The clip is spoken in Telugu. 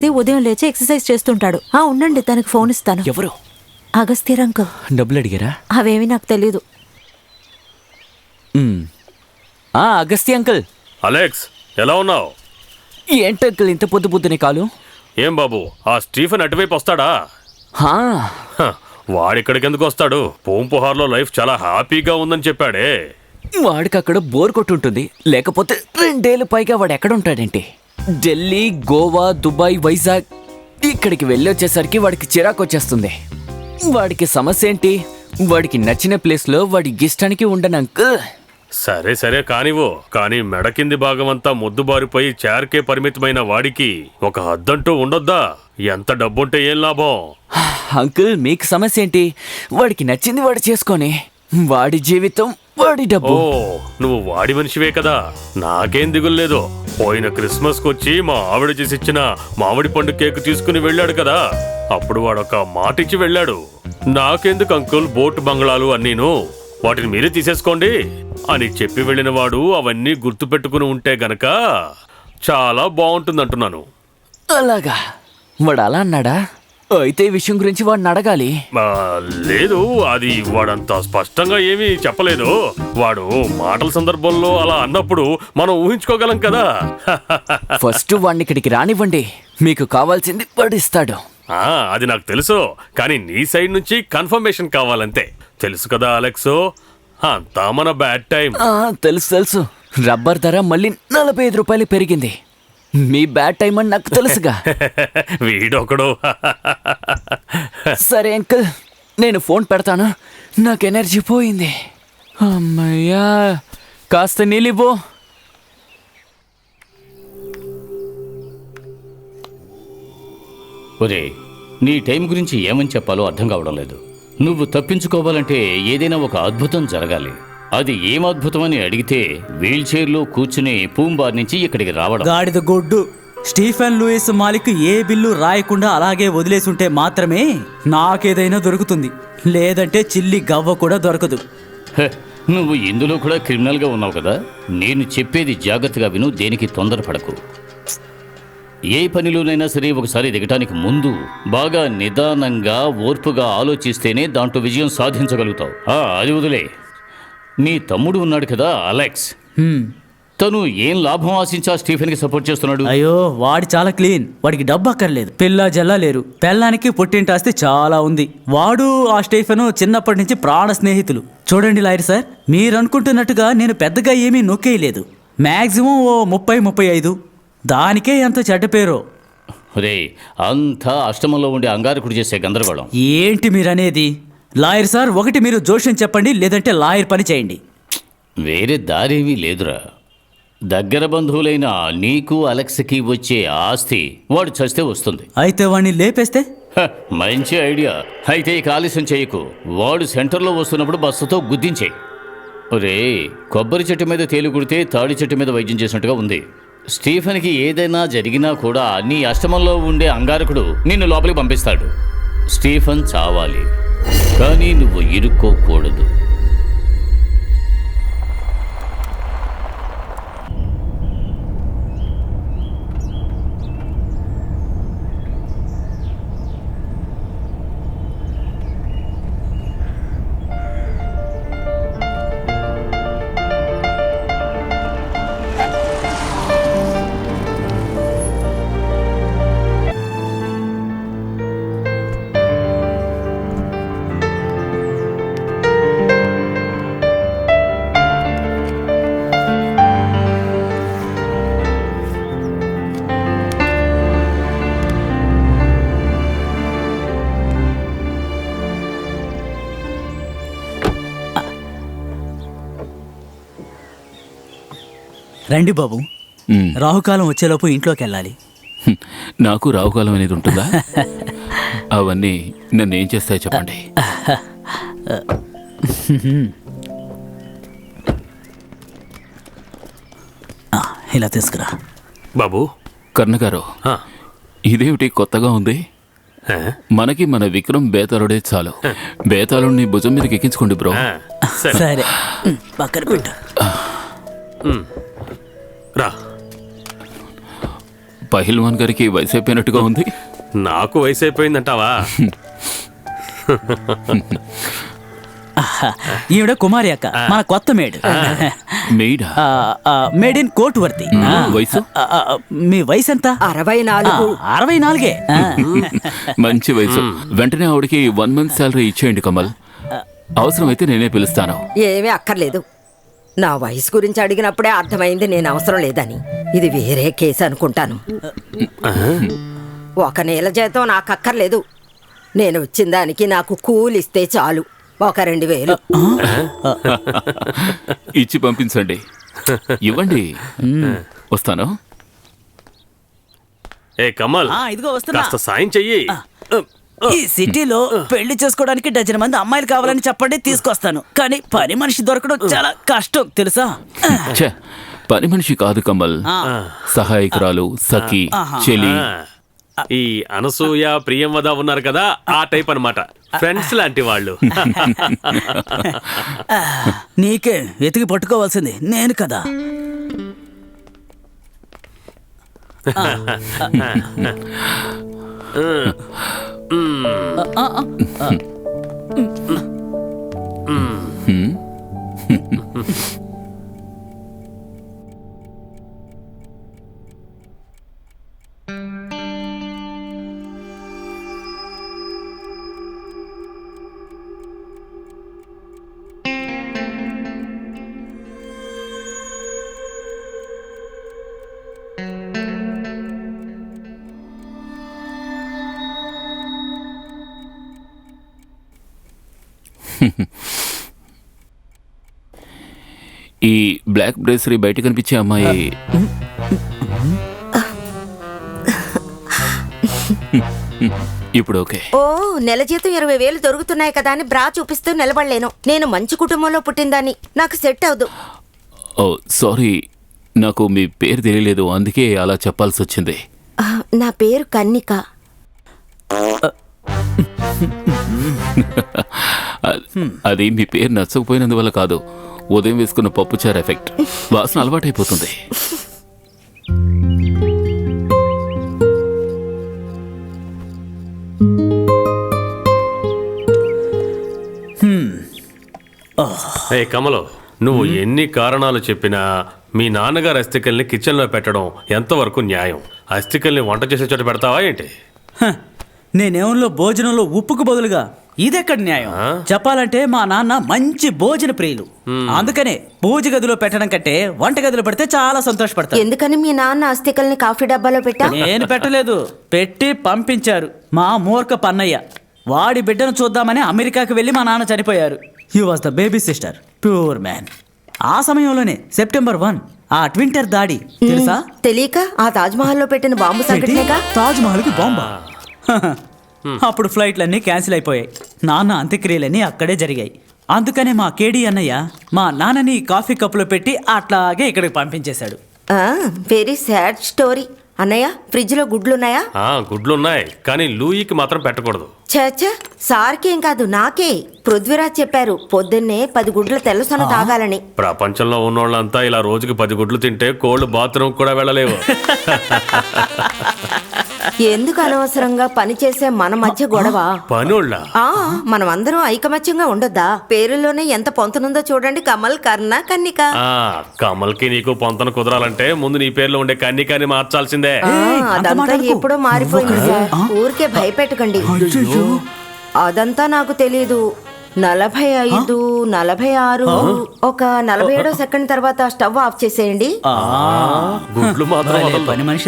ఉదయం లేచి ఎక్సర్సైజ్ చేస్తుంటాడు. ఉండండి, తనకి ఫోన్ ఇస్తాను. ఎవరు? అగస్త్యర్ అంకుల్. డబ్బులు అడిగారా? అవేమీ నాకు తెలీదు. అగస్త్య అంకుల్. అలెక్స్, ఎలా ఉన్నావు? ఏంటి అంకుల్ ఇంత పొద్దు పొద్దునే కాలు? ఏం బాబు, ఆ స్టీఫెన్ అటువైపు వస్తాడా? వాడిక్కడికి ఎందుకు వస్తాడు? పూంపుహార్లో లైఫ్ చాలా హ్యాపీగా ఉందని చెప్పాడే. వాడికి అక్కడ బోర్ కొట్టుంటుంది, లేకపోతే 2 ఏళ్ళు పైగా వాడు ఎక్కడ ఉంటాడేంటి? ఢిల్లీ, గోవా, దుబాయ్, వైజాగ్ ఇక్కడికి వెళ్ళి వచ్చేసరికి వాడికి చిరాకు వచ్చేస్తుంది. వాడికి సమస్య ఏంటి? వాడికి నచ్చిన ప్లేస్లో వాడి ఇష్టానికి ఉండను అంకుల్. సరే సరే కానివ్వు, కానీ మెడ కింది భాగం అంతా మొద్దుబారిపోయి చేరకే పరిమితమైన వాడికి ఒక హద్దంటూ ఉండొద్దా? ఎంత డబ్బుంటే ఏం లాభం? అంకుల్ మీకు సమస్య ఏంటి? వాడికి నచ్చింది వాడు చేసుకొని, వాడి జీవితం వాడి డబ్బు. నువ్వు వాడి మనిషివే కదా, నాకేం దిగుల్లేదు. పోయిన క్రిస్మస్ కొచ్చి మా ఆవిడ చేసిచ్చిన మామిడి పండు కేక్ తీసుకుని వెళ్ళాడు కదా, అప్పుడు వాడొక మాట ఇచ్చి వెళ్ళాడు. నాకెందుకు అంకుల్ బోట్ బంగ్లాలు అన్నీను, వాటిని మీరే తీసేసుకోండి అని చెప్పి వెళ్ళిన వాడు అవన్నీ గుర్తు పెట్టుకుని ఉంటే గనక చాలా బాగుంటుందంటున్నాను. అలాగా? వాడు అలా అన్నాడా? అయితే ఈ విషయం గురించి వాడిని అడగాలి. లేదు, అది వాడంత స్పష్టంగా ఏమీ చెప్పలేదు. వాడు మాటల సందర్భంలో అలా అన్నప్పుడు మనం ఊహించుకోగలం కదా. ఫస్ట్ వాడిని ఇక్కడికి రానివ్వండి, మీకు కావాల్సింది వాడు ఇస్తాడు. అది నాకు తెలుసు, కానీ నీ సైడ్ నుంచి కన్ఫర్మేషన్ కావాలంతే. తెలుసు కదా అలెక్స్, అంతా మన బ్యాడ్ టైం. తెలుసు తెలుసు. రబ్బర్ ధర మళ్ళీ 45 రూపాయలు పెరిగింది. మీ బ్యాడ్ టైం అని నాకు తెలుసుగా. వీడొకడు. సరే అంకుల్, నేను ఫోన్ పెడతాను, నాకు ఎనర్జీ పోయింది. అమ్మయ్యా, కాస్త నీళ్ళివ్వు. ఒరే, నీ టైం గురించి ఏమని చెప్పాలో అర్థం కావడం లేదు. నువ్వు తప్పించుకోవాలంటే ఏదైనా ఒక అద్భుతం జరగాలి. అది ఏం అద్భుతం అని అడిగితే వీల్ చైర్లో కూర్చుని పూంబార్ నుంచి ఇక్కడికి రావడం. గాడిద గొడ్డు. స్టీఫెన్ లూయిస్ మాలిక్ ఏ బిల్లు రాయకుండా అలాగే వదిలేసుంటే మాత్రమే నాకేదైనా దొరుకుతుంది, లేదంటే చిల్లి గవ్వ కూడా దొరకదు. నువ్వు ఇందులో కూడా క్రిమినల్గా ఉన్నావు కదా. నేను చెప్పేది జాగ్రత్తగా విను, దేనికి తొందరపడకు. ఏ పనిలోనైనా సరే ఒకసారి దిగటానికి ముందు బాగా నిదానంగా ఓర్పుగా ఆలోచిస్తేనే దాంట్లో విజయం సాధించగలుగుతావు. అది వదిలే. నీ తమ్ముడు ఉన్నాడు కదా అలెక్స్, తను ఏం లాభం ఆశించా స్టీఫెన్కి సపోర్ట్ చేస్తున్నాడు? అయ్యో, వాడి చాలా క్లీన్. వాడికి డబ్బు అక్కర్లేదు, పిల్ల జల్లా లేరు. పెళ్ళానికి పుట్టింటి ఆస్తి చాలా ఉంది. వాడు ఆ స్టీఫెన్ చిన్నప్పటి నుంచి ప్రాణ స్నేహితులు. చూడండి లాయర్ సార్, మీరు అనుకుంటున్నట్టుగా నేను పెద్దగా ఏమీ నొక్కేయలేదు. మ్యాక్సిమం ఓ 30-35. దానికే ఎంత చెడ్డ పేరో. రే, అంతా అష్టమంలో ఉండే అంగారకుడు చేసే గందరగోళం. ఏంటి మీరనేది? లాయర్ సార్, ఒకటి మీరు జోష్యం చెప్పండి, లేదంటే లాయర్ పని చేయండి. వేరే దారేమీ లేదురా. దగ్గర బంధువులైన నీకు అలెక్స్కి వచ్చే ఆస్తి వాడు చస్తే వస్తుంది. అయితే వాడిని లేపేస్తే? మంచి ఐడియా. అయితే ఇక ఆలస్యం చేయకు, వాడు సెంటర్లో వస్తున్నప్పుడు బస్సుతో గుద్దించేయి. రే, కొబ్బరి చెట్టు మీద తేలు కుడితే తాడి చెట్టు మీద వైద్యం చేసినట్టుగా ఉంది. స్టీఫెన్కి ఏదైనా జరిగినా కూడా నీ అష్టమంలో ఉండే అంగారకుడు నిన్ను లోపలికి పంపిస్తాడు. స్టీఫెన్ చావాలి, కానీ నువ్వు ఇరుక్కోకూడదు. రండి బాబు, రాహుకాలం వచ్చేలోపు ఇంట్లోకి వెళ్ళాలి. నాకు రాహుకాలం అనేది ఉంటుందా? అవన్నీ నన్ను ఏం చేస్తాయి చెప్పండి. ఇలా తీసుకురా బాబు. కర్ణగారు, ఇదేమిటి కొత్తగా ఉంది? మనకి మన విక్రమ్ బేతాళుడే చాలు. బేతాళుడిని భుజం మీదకి ఎక్కించుకోండి బ్రో. సరే, పక్కన పెట్టు. రా. పహిల్వాన్ గారికి వయసు అయిపోయినట్టుగా ఉంది. నాకు వయసు అయిపోయిందంటావా? ఈవిడ కుమారి అక్క, మన కొత్త మేడ్. మెయిడా? Maid in court worthy. వయసు? మీ వయసు ఎంత? 64. 64. మంచి వయసు. వెంటనే ఆవిడకి 1 month శాలరీ ఇచ్చేయండి కమల్. అవసరమైతే నేనే పిలుస్తాను. ఏమీ అక్కర్లేదు. నా వయసు గురించి అడిగినప్పుడే అర్థమైంది నేను అవసరం లేదని. ఇది వేరే కేసు అనుకుంటాను. 1 నెల జీతం నాకు అక్కర్లేదు. నేను వచ్చిన దానికి నాకు కూలిస్తే చాలు. 2,000. ఇచ్చి పంపించండి. ఇవ్వండి. వస్తాను. ఏ కమల్, ఇదిగో వస్తున్నా. కాస్త సాయం చెయ్యి. ఈ సిటీలో పెళ్లి చేసుకోవడానికి 12 మంది అమ్మాయిలు కావాలని చెప్పండి, తీసుకొస్తాను. కానీ పని మనిషి దొరకడం చాలా కష్టం తెలుసా? ఛే, పని మనిషి కాదు కమల్, సహాయకురాలు, సఖి, చెలి. ఈ అనసూయ, ప్రియంవద ఉన్నారు కదా, ఆ టైప్ అన్నమాట. ఫ్రెండ్స్ లాంటి వాళ్ళు. నీకే వెతికి పట్టుకోవాల్సింది నేను కదా. ఈ బ్లాక్ బ్రేసరీ బయట కనిపించే అమ్మాయి ఇప్పుడు ఓకే. ఓ, నెల జీతం 20,000 దొరుకుతున్నాయి కదా అని బ్రా చూపిస్తూ నిలబడలేను. నేను మంచి కుటుంబంలో పుట్టిందాన్ని. నాకు సెట్ అవదు. ఓ సారీ, నాకు మీ పేరు తెలియలేదు, అందుకే అలా చెప్పాల్సి వచ్చింది. నా పేరు కన్నిక. అది మీ పేరు నచ్చకపోయినందువల్ల కాదు, ఉదయం వేసుకున్న పప్పుచారు ఎఫెక్ట్. వాసన అలవాటైపోతుంది. ఏ కమలో, నువ్వు ఎన్ని కారణాలు చెప్పినా మీ నాన్నగారు అస్థికల్ని కిచెన్లో పెట్టడం ఎంతవరకు న్యాయం? అస్థికల్ని వంట చేసే చోట పెడతావా ఏంటి? నేనేమో భోజనంలో ఉప్పుకు బదులుగా ఇదెక్కడ న్యాయం? చెప్పాలంటే మా నాన్న మంచి భోజన ప్రియులు. అందుకనే పూజ గదిలో పెట్టడం కంటే వంట గదిలో పెడితే చాలా సంతోషపడతారు. ఎందుకని మీ నాన్న అస్థికల్ని కాఫీ డబ్బాలో పెట్టా? నేను పెట్టలేదు, పెట్టి పంపించారు మా మూర్ఖ పన్నయ్య. వాడి బిడ్డను చూద్దామని అమెరికాకి వెళ్ళి మా నాన్న చనిపోయారు. He was the baby sister, pure man. ఆ సమయంలోనే September 1 ఆ ట్వింటర్ దాడి తెలుసా? తెలియక ఆ తాజ్మహల్లో పెట్టిన బాంబు సంఘటనగా. తాజ్ మహల్ కి బాంబా? అప్పుడు ఫ్లైట్లన్నీ క్యాన్సిల్ అయిపోయాయి. నాన్న అంత్యక్రియలన్నీ అక్కడే జరిగాయి. అందుకనే మా కేడీ అన్నయ్య మా నాన్నని కాఫీ కప్పులో పెట్టి అట్లాగే ఇక్కడికి పంపించేశాడు. Very sad story. అన్నయ్య, ఫ్రిడ్జ్ లో గుడ్లున్నాయా? గుడ్లున్నాయి, కానీ లూయికి మాత్రం పెట్టకూడదు. చచ్చా, సార్కేం కాదు నాకే. పృథ్వీరాజ్ చెప్పారు పొద్దున్నే 10 గుడ్ల తెల్లసొన తాగాలని. ప్రపంచంలో ఉన్నోళ్ళంతా ఇలా రోజుకి 10 గుడ్లు తింటే కోళ్ళు బాత్రూమ్ కూడా వెళ్ళలేవు. ఎందుకు అనవసరంగా పని చేసే మన మధ్య గొడవ? పనుళ్ళ మనం అందరం ఐకమత్యంగా ఉండొద్దా? పేరులోనే ఎంత పొంతనుందో చూడండి. కమల్, కర్ణ, కన్నిక. కమల్కి నీకు పొంతన కుదరాలంటే ముందు నీ పేర్లో ఉండే కన్నికాని మార్చాల్సిందే. అదంతా ఎప్పుడో మారిపోయింది సార్. ఊరికే భయపెట్టకండి. అదంతా నాకు తెలీదు. 45, 46, ఒక 47వ సెకండ్ తర్వాత స్టవ్ ఆఫ్ చేసేయండి. గుడ్లు మాత్రం పని మనిషి